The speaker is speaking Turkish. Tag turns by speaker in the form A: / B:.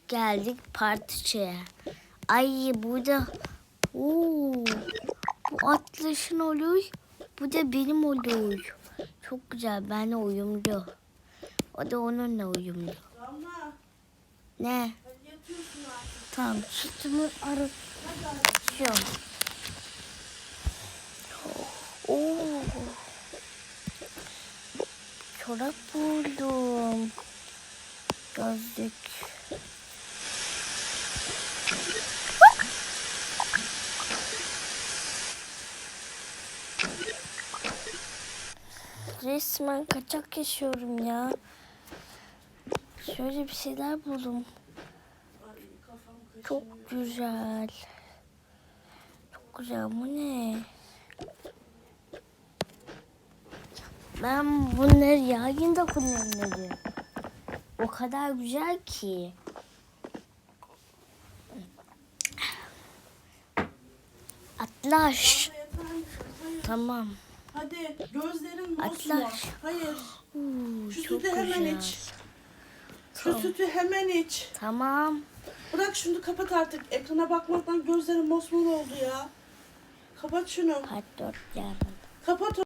A: geldik partiye. Ay burada bu Atlas'ın oluyor. Bu da benim oluyor. Çok güzel, benimle uyumlu. O da onunla uyumlu.
B: Damla.
A: Ne?
B: Hadi yatıyorsun artık.
A: Tamam, sütümü arıtıyorum. Oo. Çorap buldum. Gözlük. Resmen kaçak yaşıyorum ya. Şöyle bir şeyler buldum.
B: Ay kafam kaşınıyor.
A: Çok güzel. Çok güzel. Bu ne? Ben bunları yayında kullanırım. O kadar güzel ki. Atlaş.
B: Damla yatar mısın? Hayır.
A: Tamam.
B: Hadi gözlerin mosmor.
A: Atlaş.
B: Hayır. Şu
A: Çok
B: sütü hemen
A: güzel.
B: iç. Şu
A: Tamam.
B: sütü hemen iç.
A: Tamam.
B: Bırak şunu, kapat artık. Ekrana bakmaktan gözlerin mosmor oldu ya. Kapat şunu.
A: Part 4 yarın.
B: Kapat